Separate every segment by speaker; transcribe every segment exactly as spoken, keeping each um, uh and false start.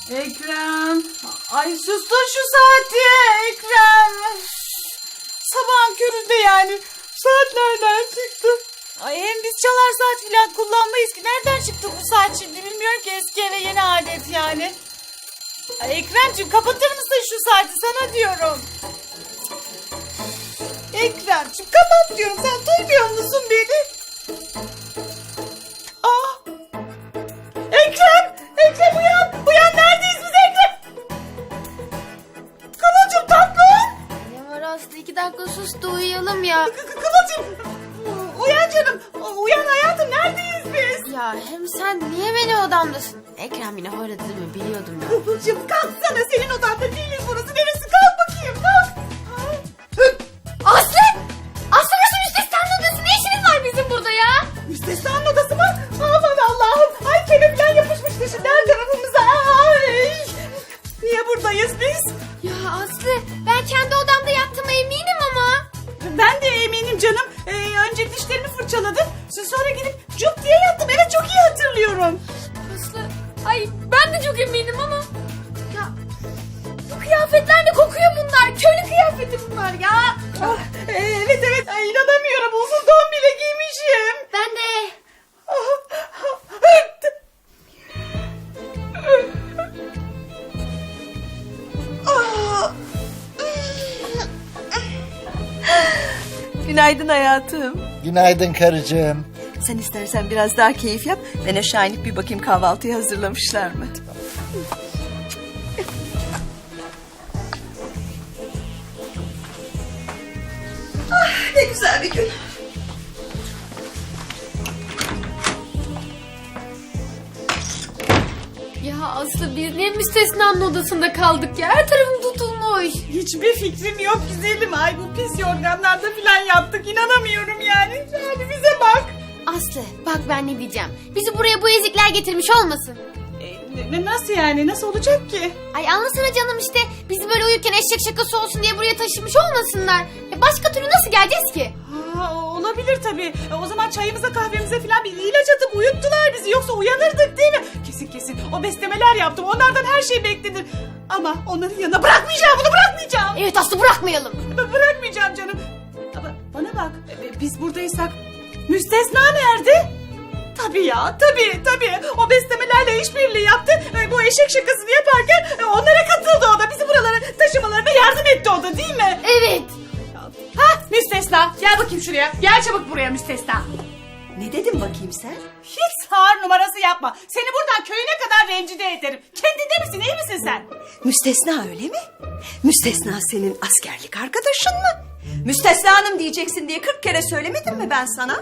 Speaker 1: Ekrem. Ay sustur şu saati Ekrem. Sabahın köründe yani. Saat nereden çıktı? Ay hem biz çalar saat filan kullanmayız ki. Nereden çıktı bu saat şimdi bilmiyorum ki, eski eve yeni adet yani. Ay Ekremciğim kapatır mısın şu saati, sana diyorum. Ekremciğim kapat diyorum, sen duymuyor musun beni? Aa! Ekrem! Ekrem uyan! Uyan, neredeyiz biz Ekrem? Kıvılcım tatlım!
Speaker 2: Ne var Aslı, iki dakika sus da uyuyalım ya.
Speaker 1: Kı- kı- Kıvılcım! Uyan canım! Uyan hayatım, neredeyiz biz?
Speaker 2: Ya hem sen niye benim odamdasın? Ekrem yine horladı değil mi? Biliyordum ya.
Speaker 1: Kıvılcım kalksana, senin odanda değiliz burası. Neresi? Kalk bakayım, kalk!
Speaker 2: Aslı! Aslı nasıl müstesnanın odası? Ne işiniz var bizim burada ya?
Speaker 1: Müstesnanın odası mı? Aman Allah'ım! Ay kene falan yapışmıştı şimdi her tarafımıza. Ay! Niye buradayız biz?
Speaker 2: Ya Aslı, ben kendi odamda yattığıma eminim ama.
Speaker 1: Ben de eminim canım. Ee, önce dişlerimi fırçaladım. Sonra gidip cuk diye yattım. Evet, çok iyi hatırlıyorum.
Speaker 2: Aslı, ay ben de çok eminim ama. Ya bu kıyafetler de kokuyor bunlar. Köylü kıyafeti bunlar ya.
Speaker 1: Ah, evet evet, ay, inanamıyorum. Uzun don bile giymişim.
Speaker 2: Ben de.
Speaker 3: Günaydın hayatım.
Speaker 4: Günaydın karıcığım.
Speaker 3: Sen istersen biraz daha keyif yap. Ben aşağı inip bir bakayım kahvaltıyı hazırlamışlar mı? Ah, ne güzel bir gün.
Speaker 2: Ya Aslı, biz niye müstesnanın odasında kaldık ya? Her tarafım tutulmuş.
Speaker 1: Hiçbir fikrim yok güzelim. Ay bu pis yorganlarda falan yattık. İnanamıyorum yani. Yani bize bak.
Speaker 2: Aslı bak ben ne diyeceğim. Bizi buraya bu ezikler getirmiş olmasın?
Speaker 1: E, ne- nasıl yani? Nasıl olacak ki?
Speaker 2: Ay anlasana canım işte. Bizi böyle uyurken eşek şakası olsun diye buraya taşımış olmasınlar. Ya başka türlü nasıl geleceğiz ki?
Speaker 1: Ha, olabilir tabii. E, o zaman çayımıza kahvemize falan bir ilaç atıp uyuttular bizi. Yoksa uyanırdık değil mi? Kesin kesin. O beslemeler yaptım. Onlardan her şey beklenir. Ama onların yanına bırakmayacağım. Bunu bırakmayacağım.
Speaker 2: Evet Aslı, bırakmayalım.
Speaker 1: B- Bırakmayacağım canım. Ama bana bak. e, Biz buradaysak müstesna nerede? Tabii ya, tabii tabii. O beslemelerle işbirliği yaptı. E, Bu eşek şakasını yaparken e, onlara katıldı o da. Bizi buralara taşımalarına yardım etti o da, değil mi?
Speaker 2: Evet.
Speaker 1: Ha müstesna, gel bakayım şuraya. Gel çabuk buraya müstesna.
Speaker 3: Ne dedim bakayım sen?
Speaker 1: Hiç sağır numarası yapma. Seni buradan köyüne kadar rencide ederim. Kendinde misin, iyi misin sen?
Speaker 3: Müstesna öyle mi? Müstesna senin askerlik arkadaşın mı? Müstesna hanım diyeceksin diye kırk kere söylemedim mi ben sana?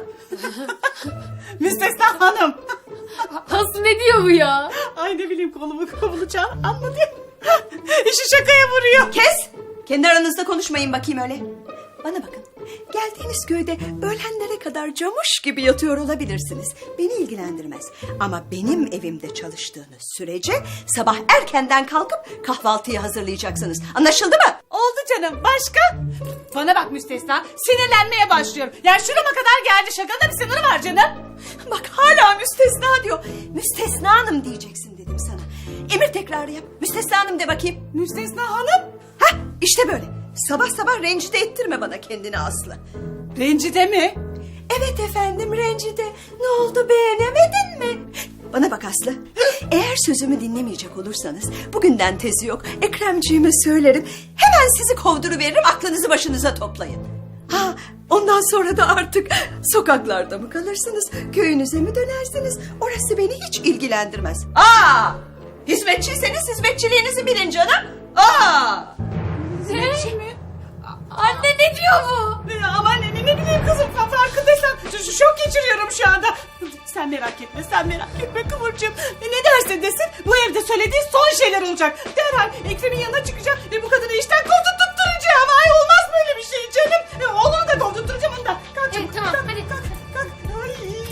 Speaker 1: Müstesna hanım.
Speaker 2: Aslı ne diyor bu ya?
Speaker 1: Ay ne bileyim, kolumu kovulacağım, anladı. İşi şakaya vuruyor.
Speaker 3: Kes! Kendi aranızda konuşmayın bakayım öyle. Bana bakın. Geldiğiniz köyde öğlenlere kadar camuş gibi yatıyor olabilirsiniz. Beni ilgilendirmez. Ama benim evimde çalıştığınız sürece sabah erkenden kalkıp kahvaltıyı hazırlayacaksınız. Anlaşıldı mı?
Speaker 1: Oldu canım, başka? Bana bak müstesna, sinirlenmeye başlıyorum. Yani şurama kadar geldi, şakanın da bir sınırı var canım.
Speaker 3: Bak hala müstesna diyor. Müstesna hanım diyeceksin dedim sana. Emir tekrarı yap. Müstesna hanım de bakayım.
Speaker 1: Müstesna hanım?
Speaker 3: Hah işte böyle. Sabah sabah rencide ettirme bana kendini Aslı.
Speaker 1: Rencide mi?
Speaker 3: Evet efendim rencide. Ne oldu, beğenemedin mi? Bana bak Aslı. Eğer sözümü dinlemeyecek olursanız bugünden tezi yok. Ekremciğime söylerim. Hemen sizi kovduruveririm, aklınızı başınıza toplayın. Ha, ondan sonra da artık sokaklarda mı kalırsınız? Köyünüze mi dönersiniz? Orası beni hiç ilgilendirmez. Aa! Hizmetçiyseniz hizmetçiliğinizi bilin canım. Aa!
Speaker 1: Hizmetçi mi?
Speaker 2: Anne ne diyor bu?
Speaker 1: Ya aman ne, ne bileyim kızım, fa- farkındaysan ş- ş- şok geçiriyorum şu anda. Sen merak etme, sen merak etme Kıvırcığım. E, ne dersin desin, bu evde söylediği son şeyler olacak. Derhal Ekrem'in yanına çıkacağım ve bu kadını işten kovdurtturacağım. Ay olmaz böyle bir şey canım. E, oğlunu da kovdurtturacağım, onu da. Kalk
Speaker 2: Evet,
Speaker 1: çabuk,
Speaker 2: tamam,
Speaker 1: kalk,
Speaker 2: hadi.
Speaker 1: kalk, kalk. Ay,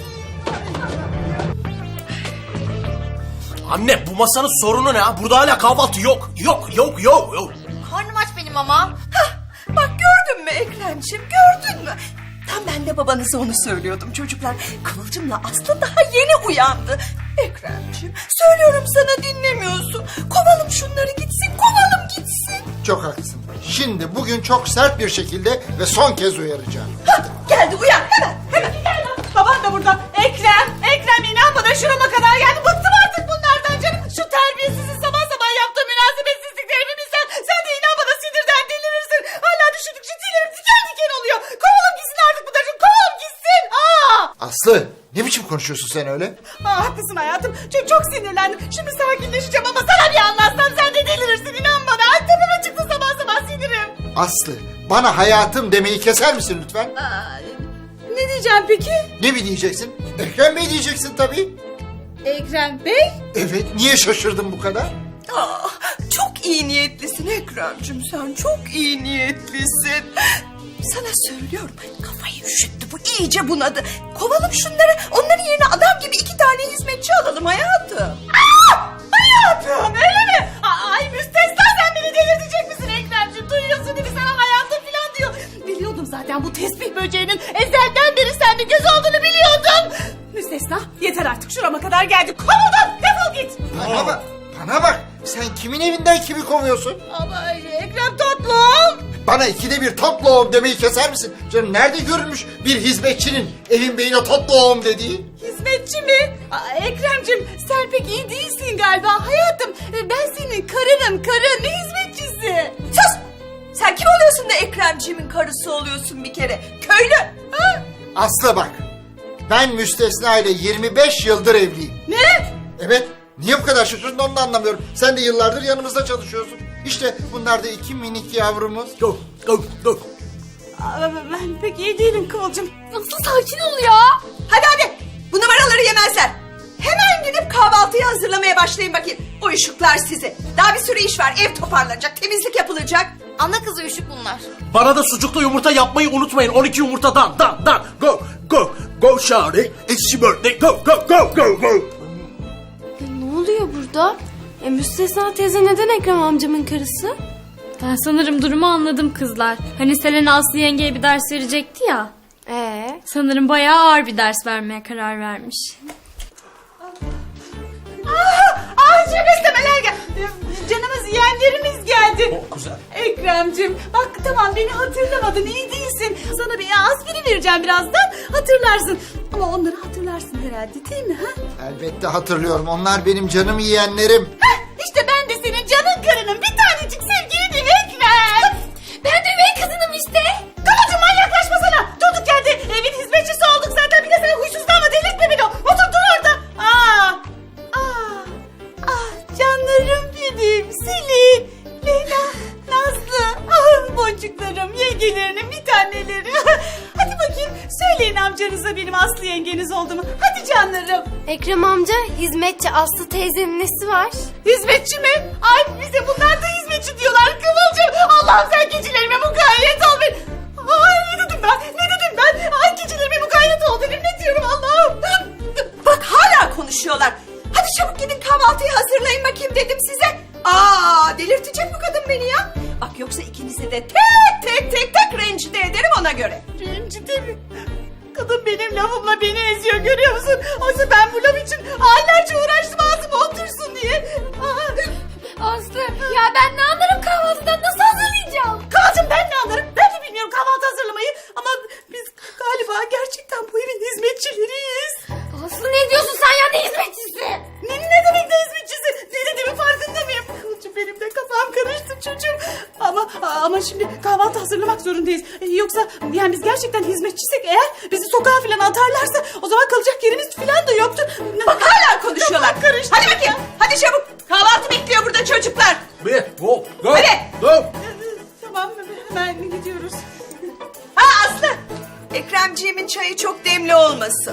Speaker 1: ay,
Speaker 5: Anne bu masanın sorunu ne ha? Burada hala kahvaltı yok. Yok yok yok yok.
Speaker 2: Karnım aç benim ama.
Speaker 3: Hah, bak gördün mü Ekremciğim, gördün mü? Tam ben de babanıza onu söylüyordum çocuklar. Kıvılcımla Aslı daha yeni uyandı. Ekremciğim söylüyorum sana dinlemiyorsun. Kovalım şunları gitsin, kovalım gitsin.
Speaker 4: Çok haklısın. Şimdi bugün çok sert bir şekilde ve son kez uyaracağım.
Speaker 3: Hadi geldi uyan hemen hemen.
Speaker 1: Baban da burada. Ekrem, Ekrem inan bana şurama kadar geldi. Bıktım artık bunlardan canım. Şu terbiyesizin sabah sabah yaptığı münasebetsizlikleri bir bilsen. Sen de inan bana sinirden delirirsin. Hala düşündükçe tüylerim diken diken oluyor. Kovalım gitsin artık bu çocuğu. Kovalım gitsin. Aa!
Speaker 4: Aslı ne biçim konuşuyorsun sen öyle?
Speaker 1: Aa, haklısın hayatım. Çok, çok sinirlendim. Şimdi sakinleşeceğim ama sana bir anlatsam sen de delirirsin. İnan bana. Ay tepeme çıktı sabah sabah sinirim.
Speaker 4: Aslı bana hayatım demeyi keser misin lütfen?
Speaker 1: Aa, ne diyeceğim peki?
Speaker 4: Ne mi diyeceksin? Ekrem Bey diyeceksin tabii.
Speaker 1: Ekrem Bey?
Speaker 4: Evet, niye şaşırdın bu kadar?
Speaker 3: Ah, çok iyi niyetlisin Ekrem'cim sen çok iyi niyetlisin. Sana söylüyorum kafayı üşüttü bu iyice bunadı. Kovalım şunları onların yerine adam gibi iki tane hizmetçi alalım hayatım.
Speaker 1: Aa! Hayatım öyle mi? Aa, ay müstesna sen beni delirtecek misin Ekrem'ciğim? Duyuyorsun değil mi sana hayatım falan diyor. Biliyordum zaten bu tesbih böceğinin ezelden beri sende göz olduğunu biliyordum. Müstesna yeter artık şurama kadar geldi. Kovuldun defol git.
Speaker 4: Bana bak, bana bak. Sen kimin evinden kimi kovuyorsun?
Speaker 1: Ama Ekrem tatlım.
Speaker 4: Bana ikide bir tatlı oğlum demeyi keser misin? Canım nerede görülmüş bir hizmetçinin evin beyine tatlı oğlum dediği?
Speaker 1: Hizmetçi mi? Aa, Ekrem'cim sen pek iyi değilsin galiba. Hayatım ben senin karınım karın ne hizmetçisi?
Speaker 3: Sus! Sen kim oluyorsun da Ekremciğimin karısı oluyorsun bir kere? Köylü! Ha?
Speaker 4: Aslı bak. Ben Müstesna ile yirmi beş yıldır evliyim.
Speaker 1: Ne?
Speaker 4: Evet. Niye bu kadar şaşırdın onu da anlamıyorum. Sen de yıllardır yanımızda çalışıyorsun. İşte bunlar da iki minik yavrumuz.
Speaker 5: Go, go, go.
Speaker 1: Aa, ben pek iyi değilim Kıvılcım.
Speaker 2: Nasıl sakin ol ya?
Speaker 3: Hadi hadi bu numaraları yemezler. Hemen gidip kahvaltıyı hazırlamaya başlayın bakayım. Uyuşuklar sizi. Daha bir sürü iş var. Ev toparlanacak, temizlik yapılacak.
Speaker 2: Ana kızı üşük bunlar.
Speaker 5: Bana da sucuklu yumurta yapmayı unutmayın. on iki yumurtadan, dan, dan. Go, go, go Shari. It's your birthday. Go, go, go, go, go.
Speaker 2: Ya ne oluyor burada? E, Müstesna teyze neden Ekrem amcamın karısı?
Speaker 6: Ben sanırım durumu anladım kızlar. Hani Selena Aslı yengeye bir ders verecekti ya.
Speaker 2: Ee?
Speaker 6: Sanırım bayağı ağır bir ders vermeye karar vermiş.
Speaker 1: Aa, çok istemeler geldi. Canımız yeğenlerimiz geldi.
Speaker 5: Oh, güzel.
Speaker 1: Ekrem'cim bak tamam beni hatırlamadın iyi değilsin. Sana bir aspirin vereceğim birazdan hatırlarsın. Ama onları hatırlarsın herhalde değil mi? Ha?
Speaker 4: Elbette hatırlıyorum. Onlar benim canım yiyenlerim.
Speaker 1: Heh, işte ben de senin canın karının bir tanecik sevgilinim Ekrem.
Speaker 2: Ben de üvey kızınım işte.
Speaker 1: Kıvılcım manyaklaşma sana. Durduk yerde evin hizmetçisi olduk zaten. Bir de sen huysuzlanma delirtme beni. Otur dur orada. Aa, aa, ah canlarım benim. Selin, Leyla, Nazlı. Ah boncuklarım, yengelerinin bir taneleri. Hadi bakayım söyleyin amcanıza benim Aslı yengeniz olduğumu. Hadi canlarım.
Speaker 2: Ekrem amca hizmetçi Aslı teyzenin nesi var?
Speaker 1: Hizmetçi mi? Ay bize bunlar da hizmetçi diyorlar Kıvılcım. Allah'ım sen keçilerime mukayyet ol benim. Ay ne dedim ben? Ne dedim ben? Ay keçilerime mukayyet ol benim. Ne diyorum Allah'ım?
Speaker 3: Bak hala konuşuyorlar. Hadi çabuk gidin kahvaltıyı hazırlayın bakayım dedim size. Aa delirtecek bu kadın beni ya. Bak yoksa ikinizi de tek tek tek tek rencide ederim ona göre.
Speaker 1: Rencide mi? Kadın benim lafımla beni eziyor görüyor musun? Oysa ben bu laf için aylarca uğraştım ağzıma otursun diye. Aa,
Speaker 2: Aslı ya ben ne anlarım kahvaltıdan nasıl hazırlayacağım?
Speaker 1: Kıvılcım ben ne anlarım? Ben de bilmiyorum kahvaltı hazırlamayı. Ama biz galiba gerçekten bu evin hizmetçileriyiz.
Speaker 2: Aslı ne diyorsun sen ya ne hizmetçisi?
Speaker 1: Ne, ne demek ne hizmetçisi? Ne dediğimin farkında mıyım? Kıvılcım benim de kafam karıştı çocuğum. Ama ama şimdi kahvaltı hazırlamak zorundayız. Ee, Yoksa yani biz gerçekten hizmetçisek eğer bizi sokağa falan atarlarsa o zaman kalacak yerimiz falan da yoktur.
Speaker 3: Bak hala konuşuyorlar.
Speaker 1: Kafam karıştı.
Speaker 3: Hadi bakayım hadi çabuk. Kahvaltı bekliyor burada çocuklar.
Speaker 5: Bir, go, go.
Speaker 3: Hadi.
Speaker 5: Go.
Speaker 1: Tamam hemen gidiyoruz.
Speaker 3: Ha Aslı. Ekremciğimin çayı çok demli olmasın.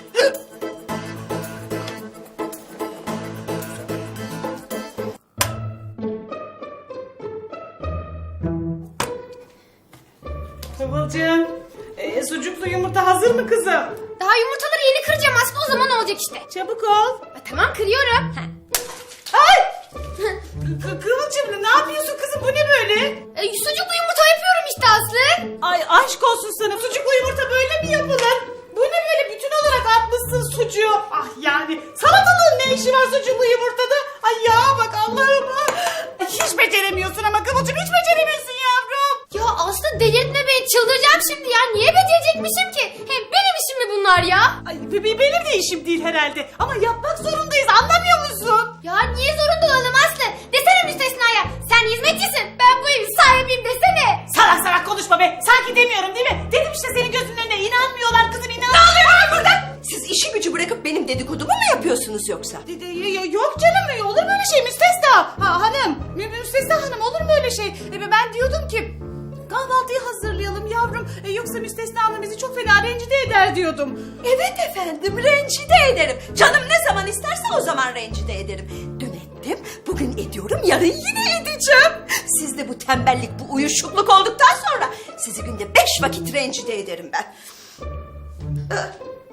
Speaker 1: Kıvılcım e, sucuklu yumurta hazır mı kızım?
Speaker 2: Daha yumurtaları yeni kıracağım Aslı o zaman olacak işte.
Speaker 1: Çabuk ol.
Speaker 2: Ha, tamam kırıyorum.
Speaker 1: Ay! Kı- Kıvılcım ne yapıyorsun kızım bu ne böyle?
Speaker 2: E, sucuklu yumurta yapıyorum işte Aslı.
Speaker 1: Ay aşk olsun sana, sucuklu yumurta böyle mi yapılır? Bu ne böyle bütün olarak atmışsın sucuğu? Ah yani salatalığın ne işi var sucuklu yumurtada? Ay ya bak Allah'ım. Ay, hiç beceremiyorsun ama Kıvılcım, hiç beceremiyorsun yavrum.
Speaker 2: Ya Aslı delirtme beni, çıldıracağım şimdi ya. Niye becerecekmişim ki? Hem benim işim mi bunlar ya?
Speaker 1: Ay be- be- benim de işim değil herhalde. Ama yapmak zorundayız, anlamıyor musun?
Speaker 2: Ya niye zorunda olalım Aslı? Desene müstesnaya. Sen hizmetçisin. Ben bu evin sahibiyim desene.
Speaker 1: Salak salak konuşma be. Sanki demiyorum değil mi? Dedim işte senin gözünün önüne inanmıyorlar kızım, inanmıyorlar. Ne oluyor burada?
Speaker 3: Siz işi gücü bırakıp benim dedikodumu mu yapıyorsunuz yoksa?
Speaker 1: De- de- y- Yok canım, olur mu öyle şey müstesna? Ha, hanım, mü- müstesna hanım, olur mu öyle şey? E, ben diyordum ki kahvaltıyı hazırlayalım yavrum. E, yoksa müstesna hanım bizi çok fena rencide eder diyordum.
Speaker 3: Evet efendim, rencide ederim. Canım ne zaman isterse o zaman rencide ederim. Dün ettim, bugün ediyorum, yarın yine edeceğim. Siz de bu tembellik, bu uyuşukluk olduktan sonra sizi günde beş vakit rencide ederim ben. Ee,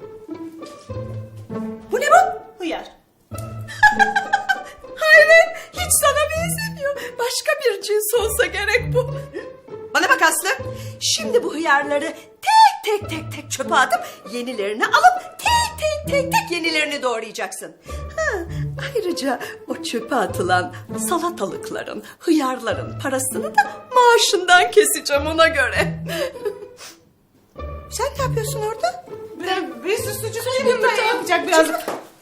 Speaker 3: Bu ne bu?
Speaker 1: Hıyar.
Speaker 3: Hayret, hiç sana benzemiyor. Başka bir cins olsa gerek bu. Bana bak Aslı, şimdi bu hıyarları tek tek tek tek çöpe atıp yenilerini alıp tek tek tek tek yenilerini doğrayacaksın. Ha, ayrıca o çöpe atılan salatalıkların, hıyarların parasını da maaşından keseceğim ona göre. Sen ne yapıyorsun orada?
Speaker 1: Ben bir sürü sucuklu yumurta yapacak birazcık.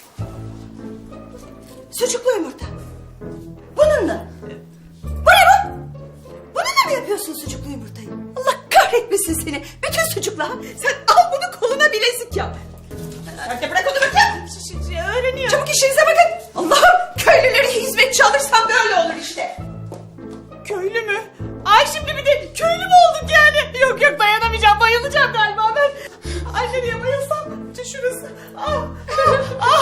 Speaker 3: Sucuklu yumurta. Bununla. Bu ne bu? Bununla mı yapıyorsun sucuklu yumurtayı? Allah kahretmesin seni. Bütün sucukla. Sen al bunu koluna bilezik yap. Hadi bırak onu bakayım.
Speaker 1: Ş- ş- Öğreniyor.
Speaker 3: Çabuk işinize bakın. Allah'ım, köylüleri hizmetçi alırsam böyle olur işte.
Speaker 1: Köylü mü? Ay şimdi bir de köylü mü olduk yani? Yok yok, dayanamayacağım, bayılacağım galiba ben. Ay nereye bayılsam? Şurası. Ah, ah,